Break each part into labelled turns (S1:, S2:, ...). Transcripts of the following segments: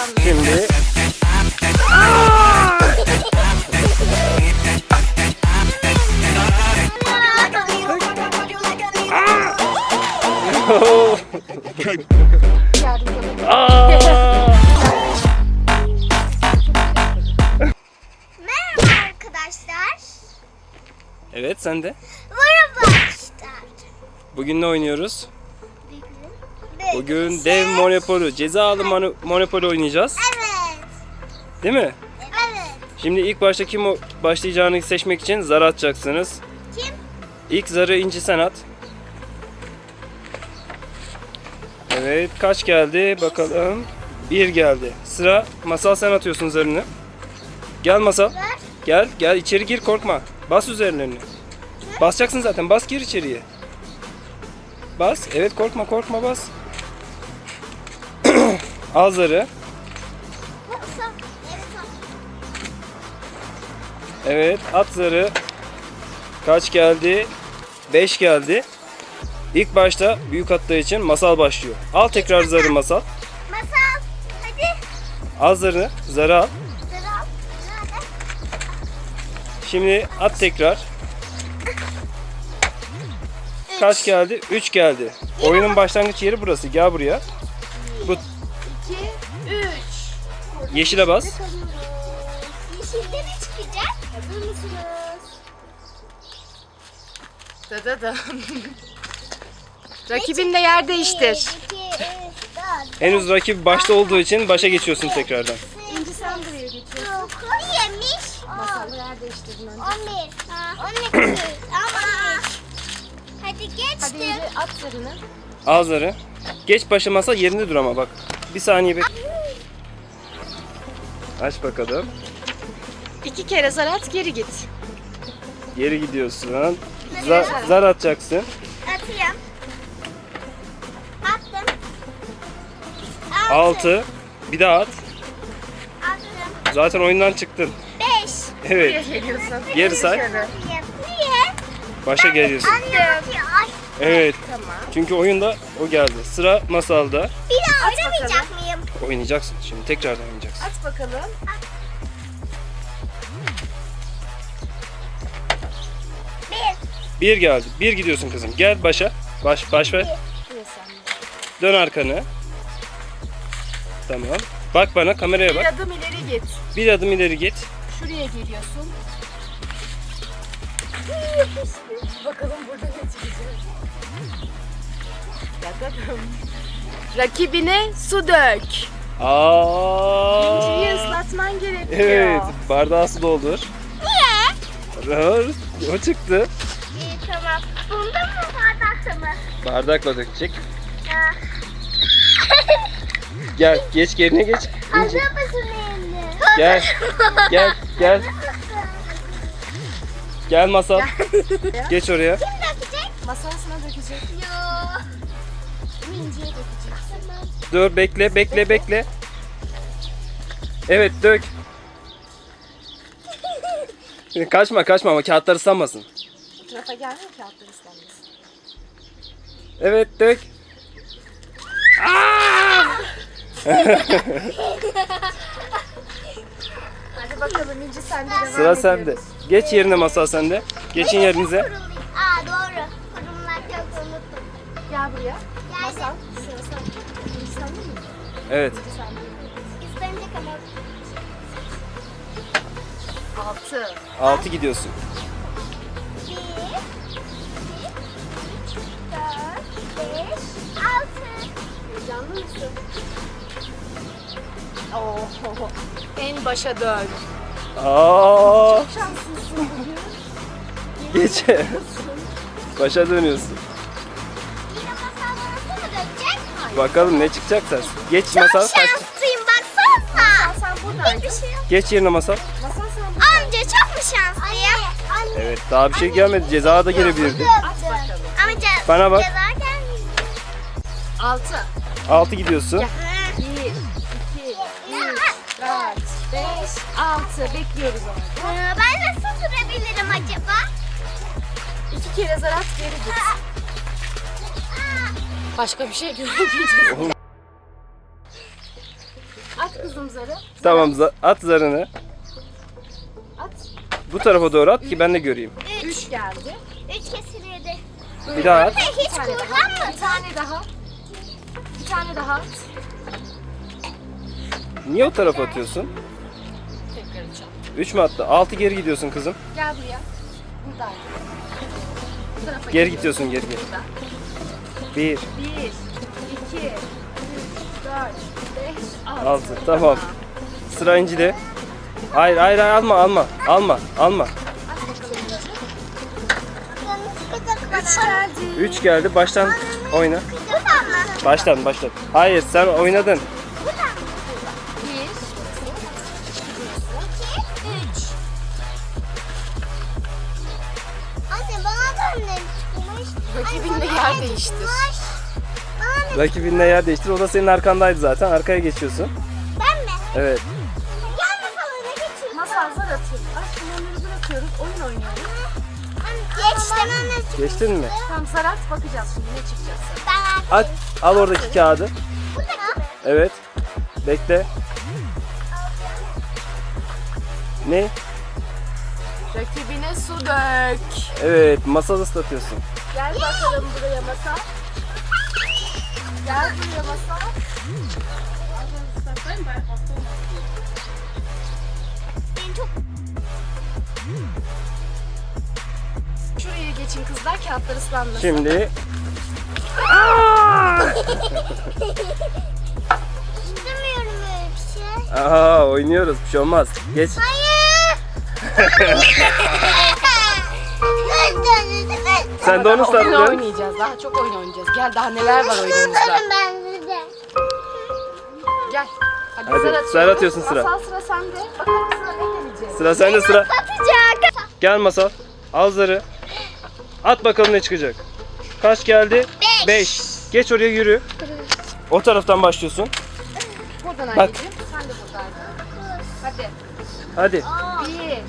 S1: Şimdi
S2: Merhaba arkadaşlar.
S1: evet, sen de.
S2: Merhaba arkadaşlar.
S1: Bugün ne oynuyoruz? Bugün dev Monopoly, cezalı Monopoly oynayacağız.
S2: Evet.
S1: Değil mi?
S2: Evet.
S1: Şimdi ilk başta kim başlayacağını seçmek için zar atacaksınız.
S2: Kim?
S1: İlk zarı İnci sen at. Evet, kaç geldi bakalım. 1 geldi. Sıra Masal, sen atıyorsun zarını. Gel Masal.
S2: Ver.
S1: Gel içeri gir, korkma. Bas üzerlerini. Basacaksın zaten, bas, gir içeriye. Bas, evet, korkma bas. Al zarı. Evet, at zarı. Kaç geldi? 5 geldi. İlk başta büyük attığı için Masal başlıyor. Al tekrar zarı Masal.
S2: Masal. Hadi.
S1: Al zarı. Zarı al.
S2: Sıra. Nerede?
S1: Şimdi at tekrar. Kaç geldi? 3 geldi. Oyunun başlangıç yeri burası. Gel buraya. Bu
S2: 2, 3.
S1: yeşile bas.
S2: Yeşilde ne çıkacak? Hazır mısınız?
S3: Da. Rakibin de yer değiştir.
S2: 2, 3, 4.
S1: Henüz rakip başta olduğu için başa geçiyorsun tekrardan.
S3: İnci sen buraya geçiyorsun.
S2: 9 yemiş.
S3: Masallı yer değiştirdin önce.
S2: 11. 12. Ama. Hadi
S3: Hadi
S2: geçtim.
S3: İnci at zarını.
S1: Al zarı. Geç başa Masal, yerinde dur ama bak. Bir saniye bek. Aç bakalım.
S3: 2 kere zar at, geri git.
S1: Geri gidiyorsun. Zar atacaksın.
S2: Atıyorum. Attım.
S1: 6. Bir daha at.
S2: Attım.
S1: Zaten oyundan çıktın.
S2: 5.
S1: Evet.
S3: Buraya geliyorsun.
S1: Geri say.
S2: Niye?
S1: Başa geliyorsun.
S2: Anne atıyor. Ay.
S1: Evet.
S3: Tamam.
S1: Çünkü oyunda o geldi. Sıra Masal'da.
S2: Bir daha
S3: At
S2: oynamayacak mıyım?
S1: Oynayacaksın. Şimdi tekrardan oynayacaksın.
S3: At bakalım.
S2: 1.
S1: 1 geldi. 1 gidiyorsun kızım. Gel başa. Baş ver.
S3: Buraya sen.
S1: Dön arkanı. Tamam. Bak bana, kameraya
S3: Bir
S1: bak.
S3: adım ileri git.
S1: Bir adım ileri git.
S3: Şuraya geliyorsun. Bakalım burada ne çıkacak. Da. Rakibine su dök. İnciyi ıslatman gerekiyor.
S1: Evet. Bardağı su doldur.
S2: Niye?
S1: O çıktı.
S2: İyi tamam. Bunda mı bardakta mı?
S1: Bardakla dökecek.
S2: Ha.
S1: Gel. Geç, yerine geç. İnci.
S2: Hazır mısın elini?
S1: Gel. Gel. Gel Masal. Geç oraya.
S2: Kim dökecek?
S3: Masasına dökecek.
S2: Yo.
S3: İnciye dökecek.
S2: Tamam.
S1: Dur, bekle. Evet, dök. Kaçma ama kağıtlar ıslanmasın.
S3: Bu tarafa gelmiyor ki altları ıslanmasın.
S1: Evet, dök.
S3: Hadi bakalım İnci sen de devam
S1: Sıra sende.
S3: ediyoruz.
S1: Geç yerine Masal, sende. Geçin yerinize.
S2: Aa doğru. Kurumlar çok unuttum.
S3: Gel buraya.
S2: Geldim.
S3: Masal. Sıra sen. İnci sende mi?
S1: Evet.
S3: İnci sende.
S2: İstenecek ama.
S3: 6.
S1: 6 gidiyorsun.
S2: 1, 2, 3, 4, 5, 6.
S3: Heyecanlı mısın? Oo. En başa dön.
S1: Aa,
S3: Şanslısın bugün.
S1: geç. Başa dönüyorsun.
S2: Yine masal arası mı dökecek?
S1: Bakalım ne çıkacak sen. Geç
S2: Çok
S1: Masal.
S2: şanslıyım baksana.
S3: Sen buradan.
S2: Hiçbir şey yok.
S1: Geç yerine Masal.
S3: Masal sen buradan.
S2: Amca çok mu şanslıyım? Anne.
S1: Evet, daha bir şey gelmedi. Ceza da gelebilirdi.
S3: At bakalım.
S2: Amca
S1: Bana bak.
S2: ceza gelmiyor.
S3: 6.
S1: 6 gidiyorsun.
S3: 1, 2, 3, 4, 5, 6. Bekliyoruz onu.
S2: Ben nasıl sürebilirim acaba?
S3: 2 kere zar at, geri git. Başka bir şey göremeyeceğiz. At kızım zarı.
S1: Tamam at zarını.
S3: At.
S1: Bu tarafa doğru at ki ben de göreyim.
S3: 3 geldi.
S2: 3 kesiliydi.
S1: Bir daha at.
S2: Hiç
S3: Bir tane daha.
S2: kullanmadım.
S3: Bir tane daha. Bir tane daha at.
S1: Niye o tarafa atıyorsun?
S3: Tekrar açalım.
S1: 3 mü attı? 6 geri gidiyorsun kızım.
S3: Gel buraya. Buradaydı. Bu tarafa
S1: Geri
S3: gidiyoruz.
S1: gidiyorsun geri.
S3: Burada.
S1: 1,
S3: 1, 2, 3, 4, 5, 6.
S1: 6. Tamam. Sıra İnci'de. Hayır hayır hayır, alma.
S3: 3 geldi.
S1: 3 geldi. Baştan oyna.
S2: Buradan mı?
S1: Baştan. Hayır sen oynadın.
S2: Buradan mı?
S3: 1,
S2: 2, 3. Anne bana da ne çıkmış?
S3: Rakibinle yer değiştir.
S2: Bana ne?
S1: Rakibinle yer değiştir. O da senin arkandaydı zaten. Arkaya geçiyorsun.
S2: Ben mi?
S1: Evet.
S2: Gel masalına geçin.
S3: Masal zar atıyoruz. Aşkım onları bırakıyoruz. Oyun oynuyoruz.
S2: Geçtim.
S1: Geçtin mi?
S3: Tamam zar at bakacağız şimdi ne çıkacak sana.
S2: Ben
S1: At. Al oradaki kağıdı.
S2: Buradaki mi?
S1: Evet. Bekle. Ne?
S3: Rakibine su dök.
S1: Evet. Masal ıslatıyorsun.
S3: Gel bakalım buraya masal. Gel buraya masal.
S2: Ben çok
S3: Şuraya geçin kızlar kağıtlar ıslanmasın.
S1: Şimdi
S2: istemiyorum öyle bir şey.
S1: oynuyoruz. Bir şey olmaz. Geç.
S2: Hayır.
S1: Sen de onu
S3: Oyun
S1: ıslattın.
S3: oynayacağız. Daha çok oyun oynayacağız. Gel daha neler var oyunumuzda.
S2: ben size.
S3: Gel. Hadi,
S1: Hadi,
S3: zar atıyoruz.
S1: zar atıyorsun sıra.
S3: Masal sıra sende. Bakalım sıra ne gelecek.
S1: Sıra sende sıra.
S2: Atacak.
S1: Gel Masal. Al zarı. At bakalım ne çıkacak. Kaç geldi? 5. Geç oraya yürü. O taraftan başlıyorsun.
S3: Buradan
S1: Bak.
S3: anneciğim. Sen de buradaydın. Hadi.
S1: Hadi.
S3: 1, 2, 3,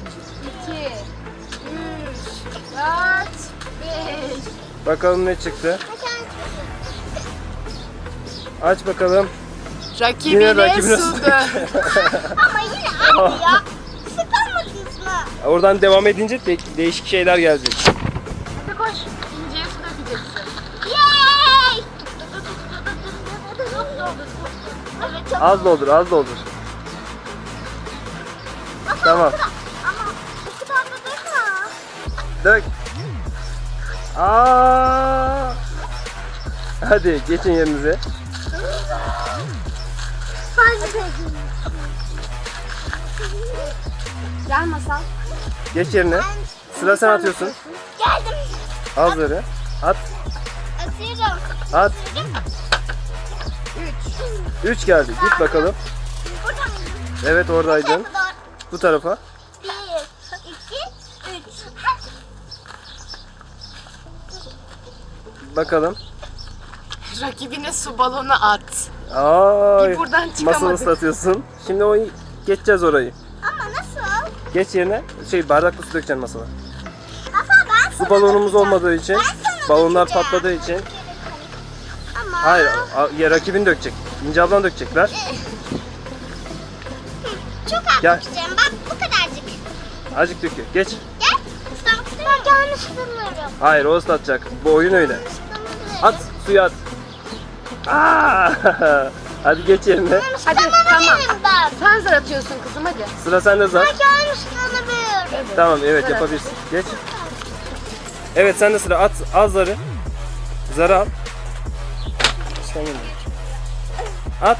S3: 4, 5.
S1: Bakalım ne çıktı. Aç bakalım.
S3: Rakibine,
S1: rakibine
S3: su
S1: su
S3: dök.
S2: Ama yine aynı ya. Sıkamadınız mı?
S1: Oradan devam edince değişik şeyler gelecek.
S3: Hadi koş. İnceye su dökeceksin.
S2: Yay! Evet çok
S1: Az doldur, az doldur. Tamam.
S2: ama bu kadar da dökme.
S1: Dök. Aa! Hadi geçin yerinize.
S3: Gel masal.
S1: Geç yerine. Sıra sen atıyorsun.
S2: Geldim.
S1: Al zarı. At.
S2: Atıyorum.
S1: At.
S3: 3.
S1: 3 geldi. Git bakalım.
S2: Burada mı?
S1: Evet oradaydın. Bu tarafa.
S2: 1, 2, 3.
S1: Bakalım.
S3: Rakibine su balonu at.
S1: Ay.
S3: Bir buradan
S1: Masal
S3: çıkamadık.
S1: ıslatıyorsun. Şimdi o geçeceğiz orayı.
S2: Ama nasıl?
S1: Geç yerine. Bardakla su dökeceksin masala.
S2: Nasıl ben
S1: Su
S2: sana
S1: balonumuz
S2: dökeceğim.
S1: olmadığı için,
S2: Ben sana
S1: balonlar
S2: dökeceğim.
S1: patladığı için.
S2: Ama
S1: Hayır, ya rakibin dökecek. İnce ablan dökecek. Ver.
S2: çok az
S1: Gel.
S2: dökeceğim. Bak bu kadarcık.
S1: Azıcık döküyor. Geç.
S2: Gel. Islamak istemiyorum. Ben yanlış ıslanıyorum.
S1: Hayır, o ıslatacak. Bu oyun öyle. At, suya at. Aa! Hadi geç yerine.
S3: Hadi tamam.
S2: Ben.
S3: Sen zar atıyorsun kızım hadi.
S1: Sıra sende zar.
S2: Ben yanlış ıslanıyorum.
S1: Tamam, evet
S3: Zar
S1: yapabilirsin. Geç. Evet, sende sıra. At, al zarı. Zarı al. At.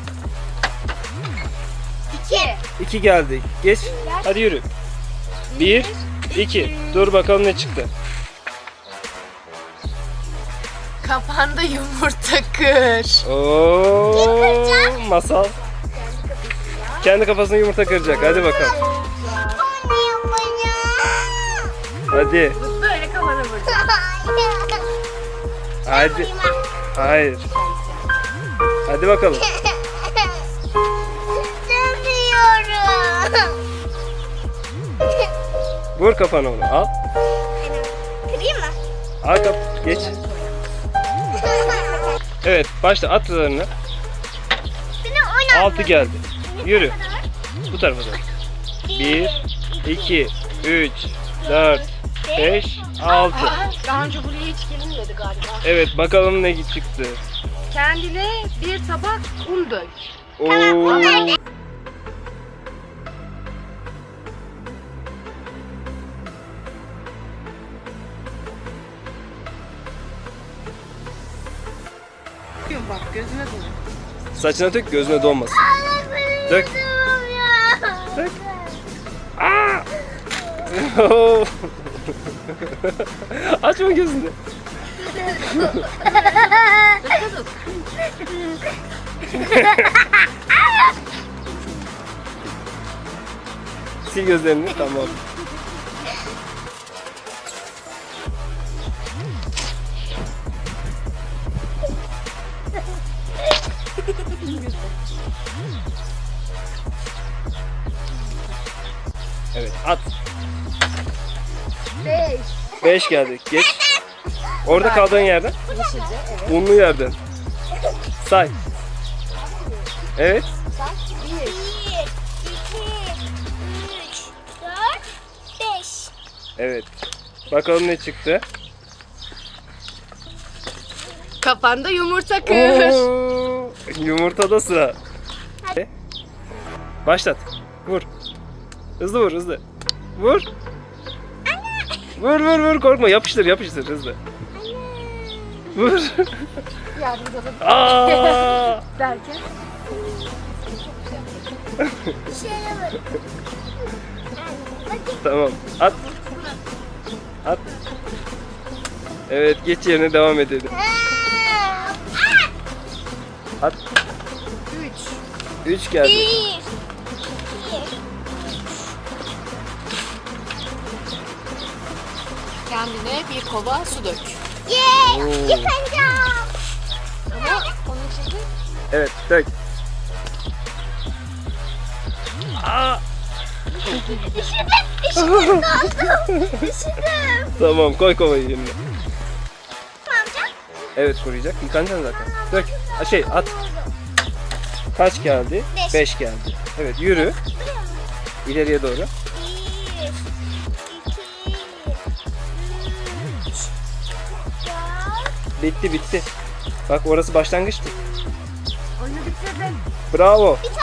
S2: 2.
S1: 2 geldi. Geç. Hadi yürü. 1, 2. Dur bakalım ne çıktı.
S3: Kafanda yumurta kır.
S1: Oo, masal. Kendi kafasına yumurta kıracak. Hadi bakalım.
S2: Anne yapacağım.
S1: Hadi.
S3: Böyle kafana vuracağım.
S1: Hadi. Hayır. Hadi bakalım.
S2: İstemiyorum.
S1: Vur kafana onu. Al.
S2: Kırayım mı?
S1: Al geç. Evet, başla at zarını.
S2: Beni
S1: 6 geldi. Yürü. Bu tarafa doğru. 1, 2, 3, 4, 5, 6.
S3: Daha önce buraya hiç gelinmedi galiba.
S1: Evet, bakalım ne çıktı.
S3: Kendine bir tabak un dök.
S1: Oo.
S3: Bak gözüme dolu.
S1: Saçına dök, gözüne donmasın. Dök. Dök. Aa! Açma gözünü. Sil gözlerini, tamam. Evet, at.
S2: 5.
S1: 5 geldi. Geç. Orada kaldığın yerden.
S3: Yeşilce evet.
S1: Unlu yerden. Say. Evet.
S2: 1, 2, 3, 4, 5.
S1: Evet. Bakalım ne çıktı.
S3: Kafanda yumurta kır.
S1: Oo, yumurtada sıra. Başlat. Vur. Hızlı vur, hızlı. Vur. Vur vur vur, korkma, yapıştır yapıştır hızlı. Vur.
S3: Yardımcı olabilir.
S1: Aa!
S3: Derken.
S2: Şöyle bak.
S1: Tamam. At. At. Evet, geç yerine devam edelim. At.
S3: 3.
S1: 3 geldi.
S2: 1,
S3: Kendine bir kova su dök.
S2: yeah,
S1: Oo.
S2: yıkanacağım.
S3: Ama onun için de
S1: Evet, dök. Aa!
S2: Üşüdüm dondum. Üşüdüm.
S1: Tamam, koy kovayı yerine.
S2: Ne yapacağım?
S1: Evet, koruyacak. Yıkanacaksın zaten. Dök. Ha, şey, at. Kaç geldi?
S2: 5.
S1: 5 geldi. Evet, yürü. İleriye doğru.
S2: 1, 2, 3, 4.
S1: Bitti bitti. Bak, orası başlangıçtı.
S3: oyunu bitirdin.
S1: Bravo.